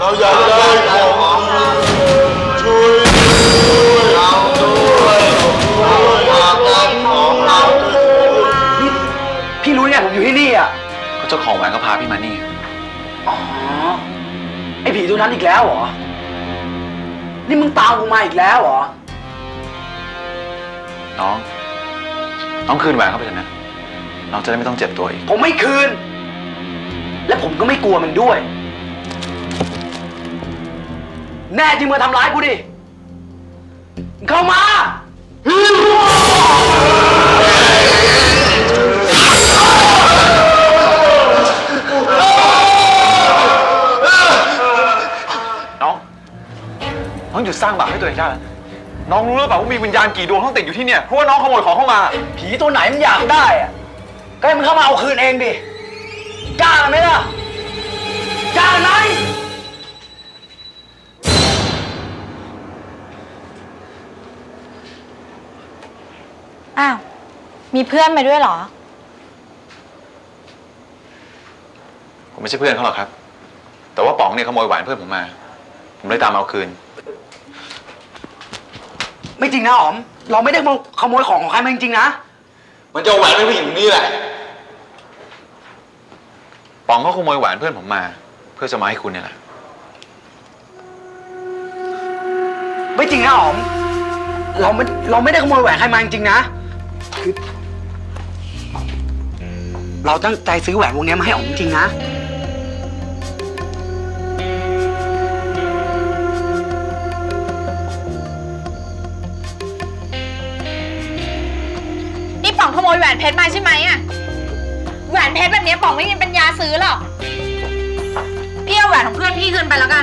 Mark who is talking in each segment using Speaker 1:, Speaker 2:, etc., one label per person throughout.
Speaker 1: เราอยากได้ของช่วยเราด้วยเราอยากได้ของเรา
Speaker 2: นี่พี่รู้ไงผมอยู่ที่นี่อ่ะ
Speaker 3: ก็เจ้าของแหวนก็พาพี่มานี่
Speaker 2: อ๋อไอ้ผีตัวนั้นอีกแล้วเหรอนี่มึงตามกูมาอีกแล้วเหรอ
Speaker 3: น้องคืนแหวนเข้าไปเถอะนะน้องจะได้ไม่ต้องเจ็บตัวอีก
Speaker 2: ผมไม่คืนและผมก็ไม่กลัวมันด้วยแน่จริงมาทำร้ายกูดิเข้ามา
Speaker 3: น้องหยุดสร้างบาปให้ตัวเองได้แล้วน้องรู้หรือเปล่าว่ามีวิญญาณกี่ดวงต้องติดอยู่ที่เนี่ยเพราะว่าน้องขโมยของเข้ามา
Speaker 2: ผีตัวไหนมันอยากได้อะก็ให้มันเข้ามาเอาคืนเองดิกล้าไหมล่ะกล้าไหม
Speaker 4: อ้าวมีเพื่อนมาด้วยเหรอ
Speaker 3: ผมไม่ใช่เพื่อนเขาหรอกครับแต่ว่าป๋องเนี่ยขโมยแหวนเพื่อนผมมาผมเลยตามเอาคืน
Speaker 2: ไม่จริงนะอ๋อมเราไม่ได้ขโมยของใครมาจริงๆนะ
Speaker 1: มันจะแหวนไม่ผู้หญิงนี่แหละ
Speaker 3: ป๋องเขาขโมยแหวนเพื่อนผมมาเพื่อจะมาให้คุณเนี่ยแหละ
Speaker 2: ไม่จริงนะอ๋อมเราไม่ได้ขโมยแหวนใครมาจริงๆนะคือเราตั้งใจซื้อแหวนวงนี้มาให้อ๋อมจริงๆนะ
Speaker 4: นี่ป๋องขโมยแหวนเพชรมาใช่ไหมอะแหวนเพชรแบบนี้ป๋องไม่มีปัญญาซื้อหรอกพี่เอาแหวนของเพื่อนพี่คืนไปแล้วกัน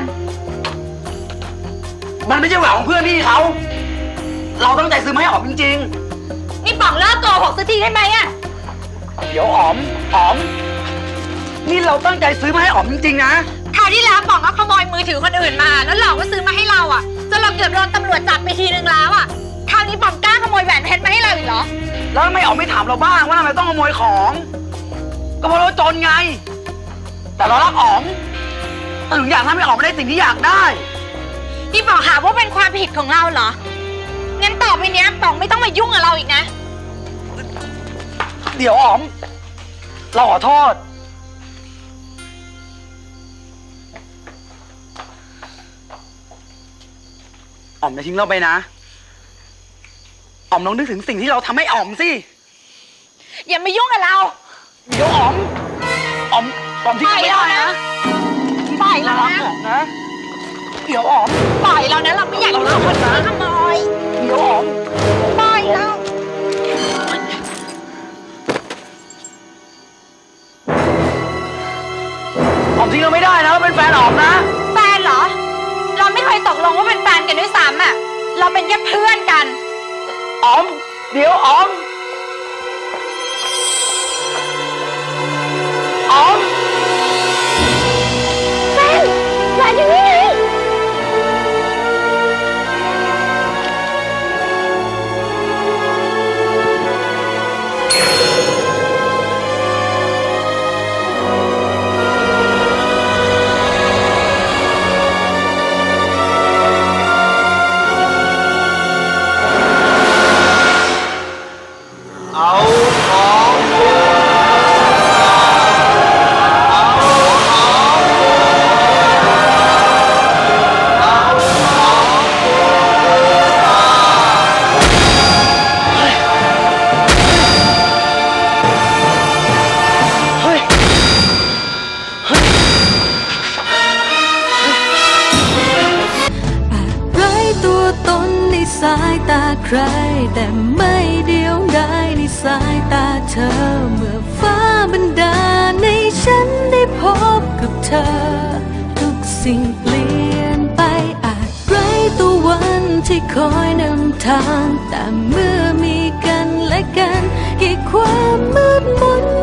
Speaker 2: มันไม่ใช่แหวนของเพื่อนพี่เขาเราตั้งใจซื้อมาให้อ๋อมจริง
Speaker 4: ๆนี่ป๋องเลิกโกหกสักทีได้ไหมอะ
Speaker 2: เดี๋ยวอ๋อมนี่เราตั้งใจซื้อมาให้อ๋อมจริงๆนะ
Speaker 4: คราวที่แล้วป๋องก็ขโมยมือถือคนอื่นมาแล้วหลอกว่าซื้อมาให้เราอะจนเราเกือบโดนตำรวจจับไปทีนึงแล้วอะคราวนี้ป๋องกล้าขโมยแหวนเพชรมาให้เราอีกเหรอ
Speaker 2: แล้วทำไมอ๋อมไม่ถามเราบ้างว่าทำไมต้องขโมยของก็เพราะเราจนไงแต่เรารักอ๋อมถึงอยากทำให้อ๋อมได้สิ่งที่อยากได้
Speaker 4: นี่ป๋องหาว่าเป็นความผิดของเราเหรองั้นต่อไปเนี้ยป๋องไม่ต้องมายุ่งกับเราอีกนะ
Speaker 2: เดี๋ยวอ๋อมเราขอโทษอ๋อมอย่าทิ้งเราไปนะอ๋อมลองนึกถึงสิ่งที่เราทำให้อ๋อมสิ
Speaker 4: อย่ามายุ่งกับเรา
Speaker 2: เดี๋ยวอ๋อมทิ้งเราไม่ได้นะ
Speaker 4: ปล่อยเรา
Speaker 2: นะเดี๋ยวอ๋อม
Speaker 4: ปล่อยเรานะเราไม่อยากโดนคนขโมย
Speaker 2: เดี๋ยวอ๋อม
Speaker 4: ปล่อยเรา
Speaker 2: อ๋อมทิ้งเราไม่ได้นะเราเป็นแฟนอ๋อมนะ
Speaker 4: แฟนเหรอเราไม่เคยตกลงว่าเป็นแฟนกันด้วยซ้ำอะเราเป็นแค่เพื่อนกัน
Speaker 2: อ๋อมเดี๋ยวอ๋อม
Speaker 4: แฟนแฟนอยู่นี่ไง
Speaker 5: สายตาใครแต่ไม่เดียวดายในสายตาเธอเมื่อฟ้าบันดาลให้ฉันได้พบกับเธอทุกสิ่งเปลี่ยนไปอาจไร้ตัววันที่คอยนำทางแต่เมื่อมีกันและกันให้ความมืดมน